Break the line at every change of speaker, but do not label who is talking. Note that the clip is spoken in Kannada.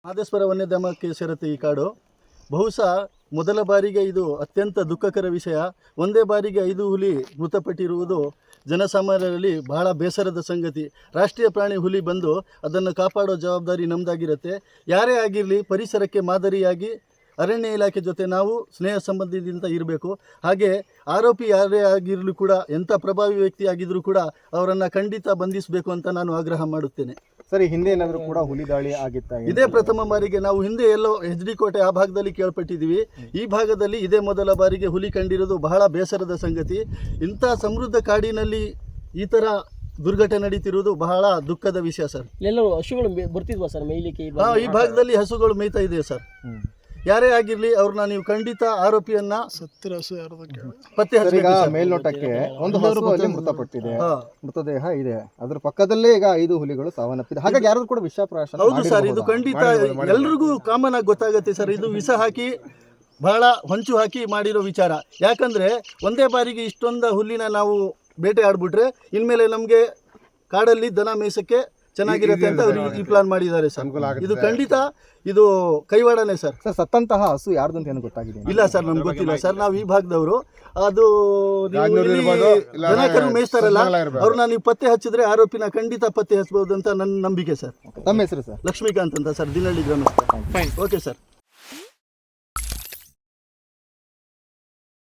ಮಾದೇಶ್ವರ ವನ್ಯಧಾಮಕ್ಕೆ ಸೇರುತ್ತೆ ಈ ಕಾಡು. ಬಹುಶಃ ಮೊದಲ ಬಾರಿಗೆ ಇದು ಅತ್ಯಂತ ದುಃಖಕರ ವಿಷಯ. ಒಂದೇ ಬಾರಿಗೆ 5 ಹುಲಿ ಮೃತಪಟ್ಟಿರುವುದು ಜನಸಾಮಾನ್ಯರಲ್ಲಿ ಬಹಳ ಬೇಸರದ ಸಂಗತಿ. ರಾಷ್ಟ್ರೀಯ ಪ್ರಾಣಿ ಹುಲಿ ಬಂದು ಅದನ್ನು ಕಾಪಾಡೋ ಜವಾಬ್ದಾರಿ ನಮ್ಮದಾಗಿರುತ್ತೆ. ಯಾರೇ ಆಗಿರಲಿ ಪರಿಸರಕ್ಕೆ ಮಾದರಿಯಾಗಿ ಅರಣ್ಯ ಇಲಾಖೆ ಜೊತೆ ನಾವು ಸ್ನೇಹ ಸಂಬಂಧದಿಂದ ಇರಬೇಕು. ಹಾಗೆ ಆರೋಪಿ ಯಾರೇ ಆಗಿರಲು ಕೂಡ, ಎಂಥ ಪ್ರಭಾವಿ ವ್ಯಕ್ತಿ ಆಗಿದ್ರೂ ಕೂಡ ಅವರನ್ನು ಖಂಡಿತ ಬಂಧಿಸಬೇಕು ಅಂತ ನಾನು ಆಗ್ರಹ ಮಾಡುತ್ತೇನೆ.
ಸರಿ, ಹಿಂದೆ ಏನಾದರೂ ಕೂಡ ಹುಲಿ ದಾಳಿ ಆಗಿತ್ತಾ?
ಇದೇ ಪ್ರಥಮ ಬಾರಿಗೆ. ನಾವು ಹಿಂದೆ ಎಲ್ಲೋ HD ಕೋಟೆ ಆ ಭಾಗದಲ್ಲಿ ಕೇಳ್ಪಟ್ಟಿದ್ದೀವಿ. ಈ ಭಾಗದಲ್ಲಿ ಇದೇ ಮೊದಲ ಬಾರಿಗೆ ಹುಲಿ ಕಂಡಿರೋದು ಬಹಳ ಬೇಸರದ ಸಂಗತಿ. ಇಂಥ ಸಮೃದ್ಧ ಕಾಡಿನಲ್ಲಿ ಈ ಥರ ದುರ್ಘಟನೆ ನಡೀತಿರುವುದು ಬಹಳ ದುಃಖದ ವಿಷಯ ಸರ್.
ಎಲ್ಲರೂ ಹಸುಗಳು ಬರ್ತಿದ್ವಾ ಸರ್ ಮೇಯ್ಲಿಕ್ಕೆ?
ಈ ಭಾಗದಲ್ಲಿ ಹಸುಗಳು ಮೇಯ್ತಾ ಇದೆ ಸರ್. ಯಾರೇ ಆಗಿರಲಿ ಅವ್ರನ್ನ ನೀವು ಖಂಡಿತ ಆರೋಪಿಯನ್ನ ಪತ್ತೆ ಹಚ್ಚಬೇಕು.
ಮೇಲ್ನೋಟಕ್ಕೆ ಒಂದು ಹಸು ಅಲ್ಲಿ ಮೃತಪಟ್ಟಿದೆ, ಮೃತದೇಹ ಇದೆ, ಅದ್ರ ಪಕ್ಕದಲ್ಲೇ ಈಗ 5 ಹುಲಿಗಳು ಸಾವನ್ನಪ್ಪಿದೆ. ಹಾಗಾಗಿ ಯಾರು ಕೂಡ ವಿಷಪ್ರಾಶನ.
ಹೌದು ಸರ್, ಇದು ಖಂಡಿತ ಎಲ್ರಿಗೂ ಕಾಮನ್ ಆಗಿ ಗೊತ್ತಾಗುತ್ತೆ ಸರ್. ಇದು ವಿಷ ಹಾಕಿ ಬಹಳ ಹೊಂಚು ಹಾಕಿ ಮಾಡಿರೋ ವಿಚಾರ. ಯಾಕಂದ್ರೆ ಒಂದೇ ಬಾರಿಗೆ ಇಷ್ಟೊಂದು ಹುಲ್ಲಿನ ನಾವು ಬೇಟೆ ಆಡ್ಬಿಟ್ರೆ ಇನ್ಮೇಲೆ ನಮಗೆ ಕಾಡಲ್ಲಿ ದನ ಮೇಯ್ಸಕ್ಕೆ ಚೆನ್ನಾಗಿರುತ್ತೆ ಅಂತ ಅವರು ಈ ಪ್ಲಾನ್ ಮಾಡಿದ್ದಾರೆ ಸರ್. ಇದು ಖಂಡಿತ ಇದು ಕೈವಾಡನೆ ಸರ್.
ಸರ್, ಸತ್ತಂತಹ ಹಸು ಯಾರ್ದು ಅಂತ ಏನು ಗೊತ್ತಾಗಿದೆ?
ಇಲ್ಲ ಸರ್, ನಮ್ಗೆ ಗೊತ್ತಿಲ್ಲ ಸರ್. ನಾವು ಈ ಭಾಗದವರು. ಅದು ದನ ಕರು ಮೇಯಿಸ್ತಾರಲ್ಲ, ಅವ್ರನ್ನ ನೀವು ಪತ್ತೆ ಹಚ್ಚಿದ್ರೆ ಆರೋಪಿನ ಖಂಡಿತ ಪತ್ತೆ ಹಚ್ಚಬಹುದು ಅಂತ ನನ್ನ ನಂಬಿಕೆ ಸರ್.
ತಮ್ಮ ಹೆಸರು ಸರ್?
ಲಕ್ಷ್ಮೀಕಾಂತ್ ಅಂತ ಸರ್, ದಿನಹಳ್ಳಿ ಗ್ರಾಮಸ್ಥ. Okay sir.